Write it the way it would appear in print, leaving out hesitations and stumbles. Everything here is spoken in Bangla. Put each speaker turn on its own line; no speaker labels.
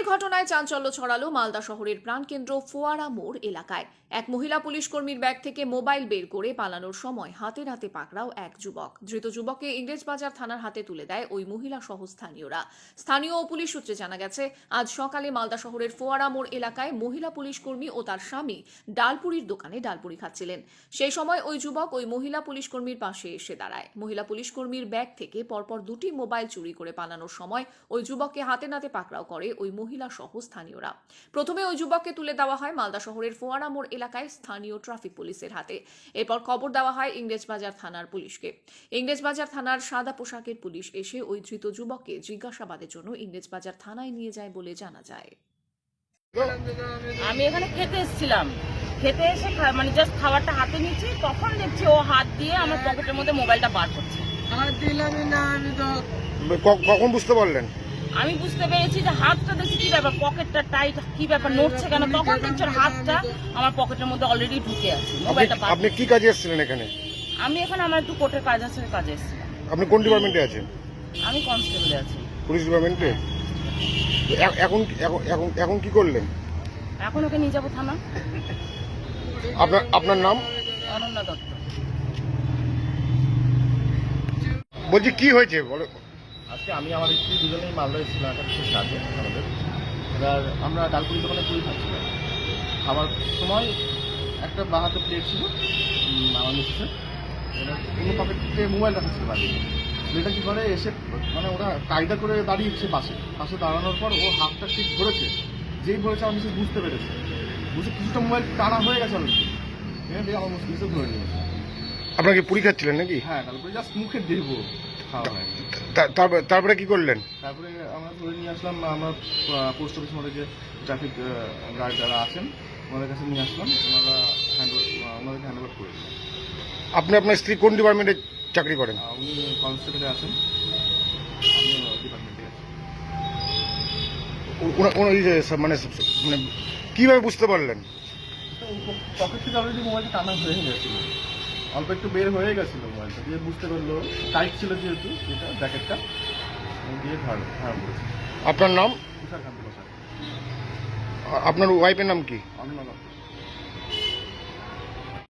ঘটনায় চাঞ্চল্য ছড়ালো মালদা শহরের প্রাণকেন্দ্র ফোয়ারা মোড় এলাকায়। এক মহিলা পুলিশ কর্মীর ব্যাগ থেকে মোবাইল বের করে পালানোর সময় হাতে নাতে পাকড়াও এক যুবক। ধৃত যুবককে ইংরেজবাজার থানার হাতে তুলে দেয় ওই মহিলা সহ স্থানীয়রা। স্থানীয় ও পুলিশ সূত্রে জানা গেছে, আজ সকালে মালদা শহরের ফোয়ারা মোড় এলাকায় মহিলা পুলিশ কর্মী ও তার স্বামী ডালপুরির দোকানে ডালপুরি খাচ্ছিলেন। সেই সময় ওই যুবক ওই মহিলা পুলিশ কর্মীর পাশে এসে দাঁড়ায়। মহিলা পুলিশ কর্মীর ব্যাগ থেকে পরপর দুটি মোবাইল চুরি করে পালানোর সময় ওই যুবককে হাতে নাতে পাকড়াও করে ওই মহিলা সহ স্থানীয়রা। প্রথমে ওই যুবককে তুলে দেওয়া হয় মালদা শহরের ফোয়ারা মোড় এলাকায় স্থানীয় ট্রাফিক পুলিশের হাতে। এরপর খবর দেওয়া হয় ইংরেজবাজার থানার পুলিশকে। ইংরেজবাজার থানার সাদা পোশাকের পুলিশ এসে ওই ধৃত যুবককে জিজ্ঞাসাবাদের জন্য ইংরেজবাজার থানায় নিয়ে যায় বলে জানা যায়।
আমি এখানে খেতে এসেছিলাম, খেতে এসে মানে জাস্ট খাবারটা হাতে নিচ্ছি, তখন দেখছি ও হাত দিয়ে আমার পকেটের মধ্যে মোবাইলটা বার করছে।
কখন বুঝতে পারলেন?
আমি বুঝতে পেরেছি যে হাতটা দেখছি কি ব্যাপার, পকেটটা টাইট, কি ব্যাপার নড়ছে কেন, তখন দেখছি ওর হাতটা আমার পকেটের মধ্যে অলরেডি ঢুকে আছে। মোবাইলটা
আপনি কি কাজে এসেছিলেন এখানে?
আমি এখানে আমার একটু কোর্টের কাজ আছে, কাজে এসেছিলাম।
আপনি কোন ডিপার্টমেন্টে আছেন?
আমি কনস্টেবলে আছি।
পুলিশ ডিপার্টমেন্টে? এখন এখন এখন কি করলেন?
এখন ওকে নিয়ে যাবো থানা।
আপনার নাম?
অনন্যা দত্ত।
বলছি কি হয়েছে বলো।
আজকে আমি আমার স্ত্রী দুজনেই মালদা এসেছিলাম একটা বিশেষ কাজে আমাদের। এবার আমরা ডালপুরি দোকানে পুরি খাচ্ছিলাম। খাবার সময় একটা বাহাতে প্লেট ছিল আমার মিসেসের, অন্য পকেটে মোবাইল রাখা ছিল বাড়ি। মেয়েটা কী করে এসে মানে ওরা কায়দা করে দাঁড়িয়েছে পাশে দাঁড়ানোর পর ও হাতটা ঠিক ধরেছে, যেই ধরেছে আমার মিসেস বুঝতে পেরেছে, বুঝে কিছুটা মোবাইল টানা হয়ে গেছে অলরেডি, দিয়ে আমার মিসেস ধরে নিয়েছে।
আপনাকে পুরি খাচ্ছিলেন নাকি?
হ্যাঁ, ডালপুরি জাস্ট মুখে দেবো খাওয়া হয়।
তারপরে কি করলেন?
তারপরে আমরা ধরে নিয়ে আসলাম, আমরা পোস্ট অফিস মধ্যে যে ট্রাফিক গার্ড যারা আছেন ওনাদের কাছে নিয়ে আসলাম, ওনাদেরকে হ্যান্ড ওভার করে দিলাম।
আপনি আপনার স্ত্রী কোন ডিপার্টমেন্টে চাকরি করেন?
উনি কনস্টেবলে আছেন, আমি ডিপার্টমেন্টে আছি।
মানে মানে কিভাবে বুঝতে পারলেন?
পকেট থেকে অলরেডি মোবাইলটা টানা হয়ে গেছিলো, অল্প একটু বের হয়ে গেছিলো মোবাইলটা, দিয়ে বুঝতে পারলো টাইট ছিল যেহেতু এটা জ্যাকেটটা, দিয়ে ধারা করেছে।
আপনার নাম?
তুষার কান্তি বসাক।
আপনার ওয়াইফের নাম কি?
অন্য